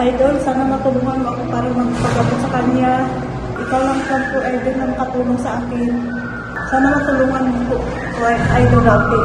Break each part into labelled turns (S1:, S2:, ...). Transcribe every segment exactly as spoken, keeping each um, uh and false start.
S1: Idol, sana matulungan mo ako para magpagamot sa kanya. Ikaw lang lang po, Idol, na makatulong sa akin. Sana matulungan mo po, Idol natin.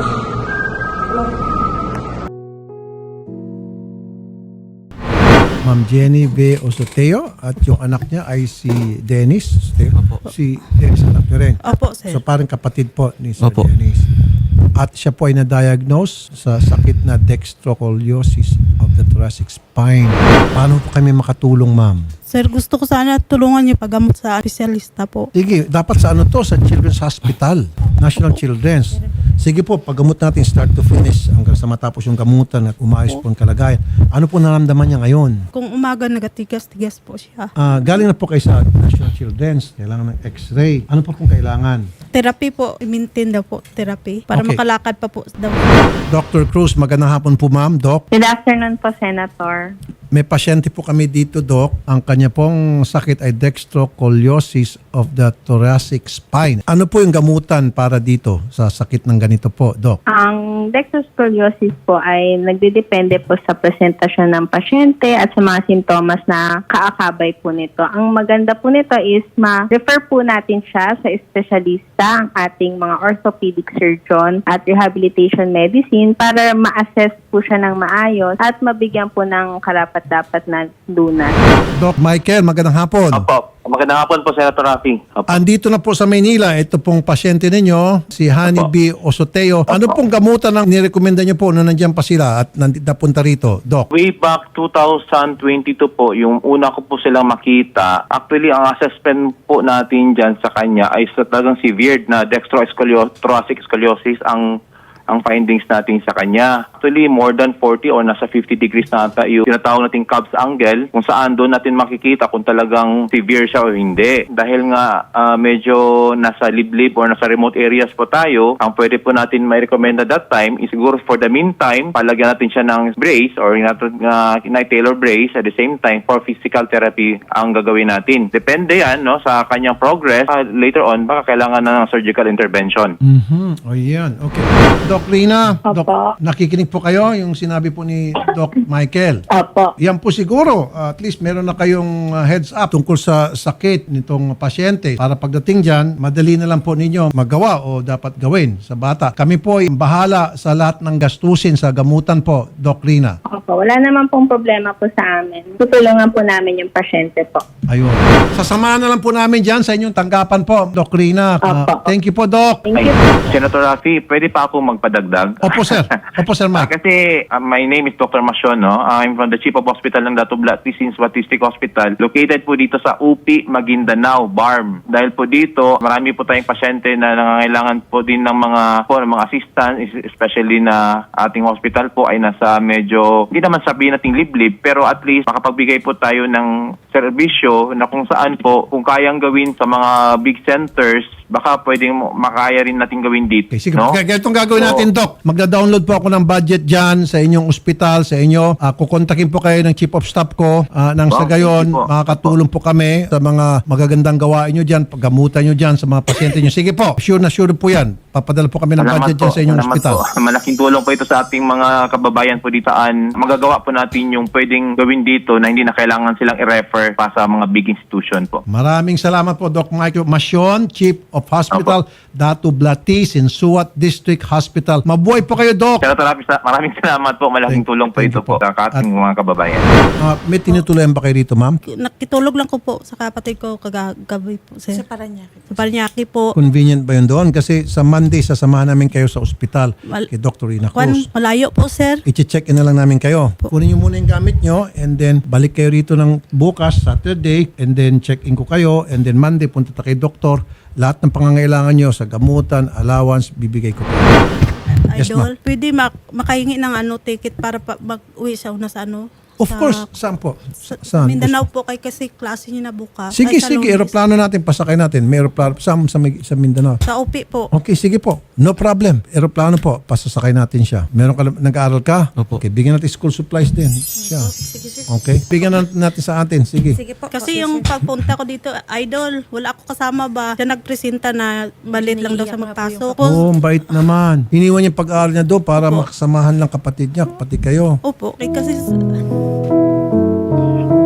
S2: Ma'am Jenny V. Osoteo at yung anak niya ay si Dennis Osoteo. Si Dennis anak niya rin.
S1: Opo, sir.
S2: So parang kapatid po ni Sir
S3: Opo.
S2: Dennis. At siya po ay na-diagnose sa sakit na dextrocoliosis of the thoracic spine. Paano po kami makatulong, ma'am?
S1: Sir, gusto ko sana tulungan niyo paggamot sa espesyalista po.
S2: Sige, dapat sa ano to? Sa Children's Hospital. National Children's. Sige po, paggamot natin start to finish hanggang sa matapos yung gamutan at umayos po ang kalagayan. Ano po naramdaman niya ngayon?
S1: Kung umaga nagatigas-tigas po siya.
S2: Ah, galing na po kayo sa National Children's. Kailangan ng x-ray. Ano pa pong kailangan?
S1: Therapy po, i-maintain daw po therapy para
S2: Okay.
S1: makalakad pa po daw.
S2: Doctor Cruz, magandang hapon po, ma'am. Doc,
S4: Good afternoon po, Senator.
S2: may pasyente po kami dito, Doc. Ang kanya pong sakit ay dextrocoliosis of the thoracic spine. Ano po yung gamutan para dito sa sakit ng ganito po, Doc?
S4: Ang dextroscoliosis po ay nagdidepende po sa presentasyon ng pasyente at sa mga simptomas na kaakabay po nito. Ang maganda po nito is ma-refer po natin siya sa espesyalista, ang ating mga orthopedic surgeon at rehabilitation medicine para ma-assess po siya ng maayos at mabigyan po ng karapat-dapat na lunas.
S2: Doc Michael, magandang hapon.
S5: Opo. Magandang hapon po, Senator Rafi. Opo.
S2: Andito na po sa Maynila, ito pong pasyente ninyo, si Honey B. Osoteo. Ano pong gamutan ang nirekomenda niyo po na nandiyan pa sila at nandito napunta rito, Doc?
S5: Way back two thousand twenty-two po, yung una ko po silang makita, actually ang assessment po natin dyan sa kanya ay sa talagang severe na dextrothoracic scoliosis ang ang findings natin sa kanya. Actually, more than forty or nasa fifty degrees na ata yung tinatawag nating Cobb's angle kung saan doon natin makikita kung talagang severe siya o hindi. Dahil nga ah, medyo nasa liblib or nasa remote areas po tayo, ang pwede po natin may recommend at that time is siguro for the meantime, palagyan natin siya ng brace or uh, Taylor brace at the same time for physical therapy ang gagawin natin. Depende yan no, sa kanyang progress. Ah, later on, baka kailangan na ng surgical intervention.
S2: Mhm. O yan. Okay. Doc Rina,
S4: Opo.
S2: Doc, nakikinig po kayo yung sinabi po ni Doc Michael.
S4: Opo.
S2: Yan po siguro, uh, at least meron na kayong uh, heads up tungkol sa sakit nitong pasyente. Para pagdating dyan, madali na lang po ninyo magawa o dapat gawin sa bata. Kami po ay bahala sa lahat ng gastusin sa gamutan po, Doc Rina.
S4: Opo. Wala naman pong problema po sa amin. Tutulungan po namin yung pasyente po.
S2: Ayun. Sasamahan na lang po namin dyan sa inyong tanggapan po, Doc Rina. Uh,
S4: Opo.
S2: thank you po, Doc.
S4: Thank
S5: Ay,
S4: you.
S5: Senator Rafi, pwede pa ako magpadagdag?
S2: Opo, sir. Opo, sir,
S5: Ah,
S2: Mike.
S5: kasi uh, my name is Doctor Masyon, no? I'm from the Chief of Hospital ng Dato Blastis Batistic Hospital. Located po dito sa U P, Maguindanao, B A R M. Dahil po dito, marami po tayong pasyente na nangangailangan po din ng mga po, ng mga assistance, especially na ating hospital po ay nasa medyo, hindi naman sabihin nating liblib, pero at least makapagbigay po tayo ng serbisyo na kung saan po, kung kayang gawin sa mga big centers, baka pwedeng makaya rin natin gawin dito.
S2: Okay, sige.
S5: No?
S2: G- Ganitong gagawin
S5: So,
S2: natin, Doc. Magda-download po ako ng budget dyan sa inyong ospital, sa inyo. Uh, kukontakin po kayo ng Chief of Staff ko. Uh, nang sa
S5: Wow,
S2: gayon,
S5: thank you po.
S2: makakatulong po kami sa mga magagandang gawain nyo dyan, paggamutan nyo dyan sa mga pasyente nyo. Sige po, sure na sure po yan. Papadala po kami ng
S5: Salamat
S2: budget
S5: po.
S2: dyan sa inyong
S5: Salamat
S2: ospital.
S5: po. Malaking tulong po ito sa ating mga kababayan po dito. An, magagawa po natin yung pwedeng gawin dito na hindi na kailangan silang i-refer pa sa mga big institution po.
S2: Maraming salamat po, Doc Michael Masyon, Chief of Hospital, Dato Blatis, in Suwat District Hospital. Mabuhay po kayo, Doc.
S5: Senator Rafi, sa- maraming salamat po. Malaking
S2: Thank-
S5: tulong po
S2: thank
S5: ito
S2: you po.
S5: po sa ating mga kababayan.
S2: Uh, may tinutuloyan ba kayo rito, ma'am?
S1: Nakitulog lang ko po sa kapatid ko kagabi po, sir. Sa Paranaque. Sa Paranaque po.
S2: Convenient ba yun doon? Kasi sa Monday, sasamahan namin kayo sa ospital
S1: Mal-
S2: kay Doctor Rina
S1: Kwan,
S2: Cruz.
S1: malayo po, sir.
S2: I-check in na lang namin kayo. Kunin nyo muna yung gamit nyo and then balik kayo rito ng bukas, Saturday, and then check in ko kayo and then Monday punta ta kay doktor. Lahat ng pangangailangan nyo sa gamutan, allowance, bibigay ko po. Yes,
S1: Idol, pwede mak makahingi ng ano ticket para pa mag-uwi sa una sa ano?
S2: Of
S1: sa-
S2: course, saan po?
S1: Sa,
S2: Saan?
S1: Mindanao po kay kasi klase niya na bukas.
S2: Sige,
S1: Ay, sa
S2: sige.
S1: Lunes.
S2: Aeroplano natin, pasakay natin. May aeroplano sa, sa, sa Mindanao.
S1: Sa U P po.
S2: Okay, sige po. No problem. Aeroplano po. Pasasakay natin siya. Meron ka, nag-aaral ka?
S3: Opo.
S2: Okay, bigyan natin school supplies din. Siya.
S1: Sige, sige.
S2: Okay. Bigyan natin natin sa atin. Sige.
S1: Sige po. Kasi yung pagpunta ko dito, idol, wala ako kasama ba? Siya nagpresenta na malit lang daw sa magpasok.
S2: Oh, ang bait naman. Hiniwan niya yung pag-aaral niya doon para makasamahan lang kapatid niya, kapatid kayo.
S1: Opo. Eh, kasi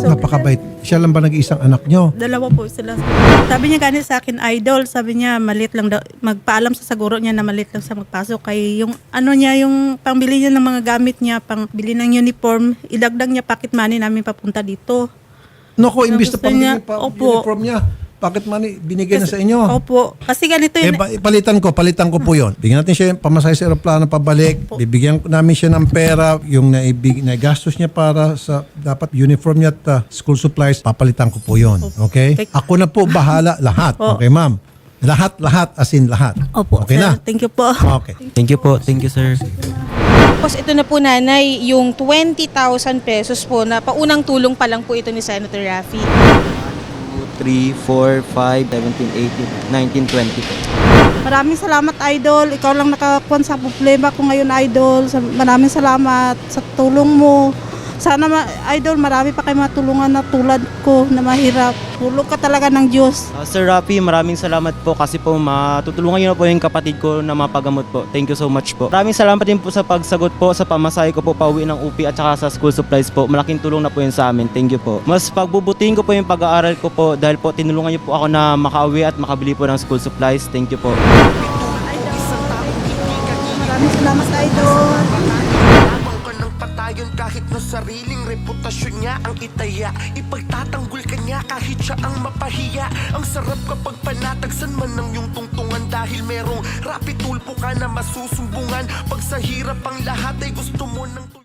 S1: So,
S2: Napakabait. Siya lang ba nag-iisang anak nyo?
S1: Dalawa po sila. Sabi niya ganit sa akin, idol. Sabi niya, malit lang daw. Magpaalam sa saguro niya na malit lang sa magpasok. Kay yung ano niya, yung pangbili niya ng mga gamit niya, pangbili ng uniform, idagdag niya pocket money namin papunta dito.
S2: Naku, imbis na
S1: gusto niya,
S2: pambili pa
S1: opo.
S2: uniform niya, bakit money binigay na sa inyo?
S1: Opo. Kasi ganito
S2: Eh,
S1: yun.
S2: ba- palitan ko, palitan ko po yon. Bigyan natin siya yung pamasahe sa aeroplano pabalik. Bibigyan ko namin siya ng pera, yung naibig, naigastos niya para sa dapat uniform niya at uh, school supplies, papalitan ko po yon. Okay? Ako na po bahala lahat.
S1: Opo.
S2: Okay, ma'am? Lahat, lahat, as in lahat.
S1: Opo,
S2: Okay
S1: sir.
S2: na?
S1: Thank you po.
S2: Okay.
S3: Thank you po. Thank you, sir.
S6: Tapos ito na po nanay, yung twenty thousand pesos po na paunang tulong pa lang po ito ni Senator Raffy.
S3: two, three, four, five, seventeen, eighteen, nineteen, twenty.
S1: Maraming salamat, idol. Ikaw lang nakakuan sa problema ko ngayon, idol. Sa- Maraming salamat sa tulong mo. Sana, ma- idol, marami pa kayo matulungan na tulad ko na mahirap. Tulog ka talaga ng Diyos.
S3: Uh, Sir Rafi, maraming salamat po kasi po matutulungan niyo na po yung kapatid ko na mapagamot po. Thank you so much po. Maraming salamat din po sa pagsagot po sa pamasahe ko po pauwi ng U P at saka sa school supplies po. Malaking tulong na po yun sa amin. Thank you po. Mas pagbubutihin ko po yung pag-aaral ko po dahil po tinulungan niyo po ako na makauwi at makabili po ng school supplies. Thank you po.
S1: Maraming salamat, idol.
S7: Lamang ka ng patayon kahit na sariling reputasyon niya ang itaya. Ipagtatanggol ka niya kahit siya ang mapahiya. Ang sarap kapag panatagsan man ng iyong tungtungan dahil merong rapid tulpo ka na masusumbungan. Pag sa hirap ang lahat ay gusto mo ng